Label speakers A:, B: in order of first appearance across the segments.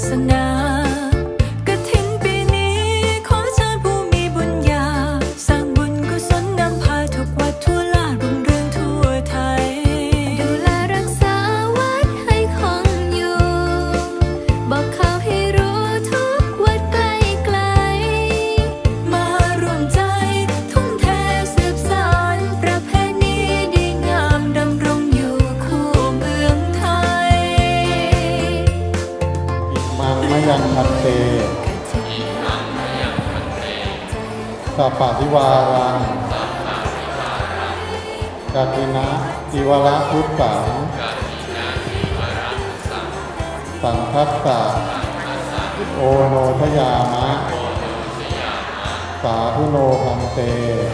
A: สนากฐินปีนี้ขอเชิญผู้มีบุญญาสร้างบุญกุศลนำพาทุกวัดทั่วลารุ่งเรืองทั่วไทยดูแลรักษาวัดให้คงอยู่บอกข่าวให้รู้ทุกวัดไกลไกลมารวมใจทุ่มเทสืบสานประเพณีดีงามดำรงอยู่คู่เมืองไทย
B: อิมังมะยังพันเตสัพพะทิวารังกฐินะทิวรพุทธังสังคัสสะโอโนทยามะสาธุโนพันเต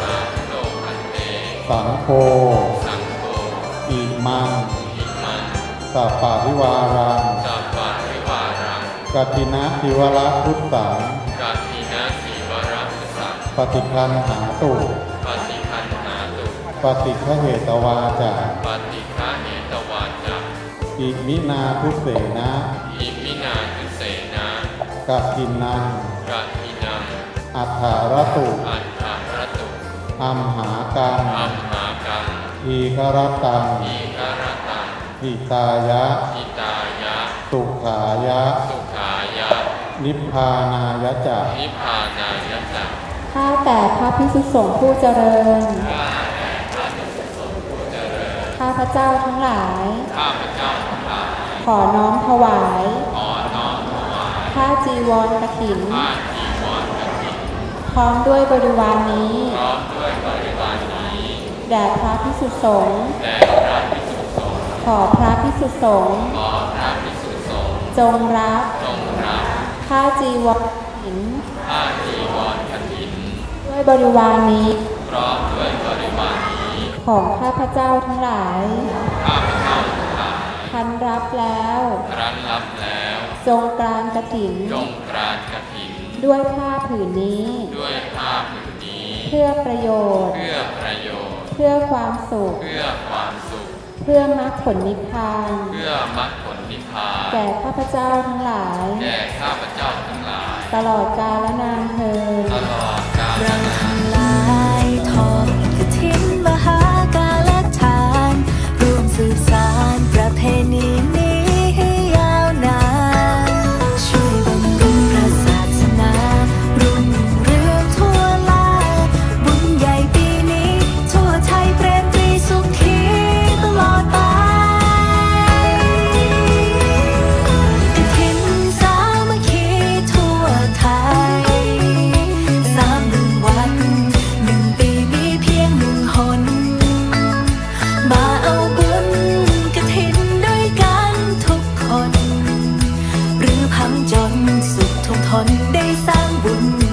B: สังโฆอิมังสัพพะทิวารังกฐินะทิวรพุทธังปฏิคันหาตุปฏิฆเหตวาจาอิมินาทุเสนะกฐินังอัฏฐารตุอัมหากังอีครตังหิตายะสุขายะนิพพานายะจะ
C: ข้าแต่พระภิกษุสงฆ์ผู้เจริญข้าพเจ้าทั้งหลายขอน้อมถวายผ้าจีวรกฐินพร้อมด้วยบริวารนี้แด่พระภิกษุสงฆ์ขอพระภิกษุสงฆ์จงรับผ้าจีวรกฐินด้วยบริวารนี้ของข้าพเจ้าทั้งหลายทันรับแล้วจงกรานกฐินด้วยผ้าผืนนี้เพื่อประโยชน์เพื่อความสุขเพื่อมรรคผลนิพพานแก่ข้าพเจ้าทั้งหลายตลอดกาลนานเทอญ
A: เราทั้งหลายทอดกฐินมหากาลทานร่วมสืบสานประเพณีนี้ให้ยาวนานช่วยบำรุงพระศาสนารุ่งเรืองทั่วลาบุญใหญ่ปีนี้ทั่วไทยเปรมปรีสุขีตลอดไปกฐินสามัคคีทั่วไทยมาเอาบุญกฐินด้วยกันทุกคนหรือพังจนสุขทุกทนได้สร้างบุญ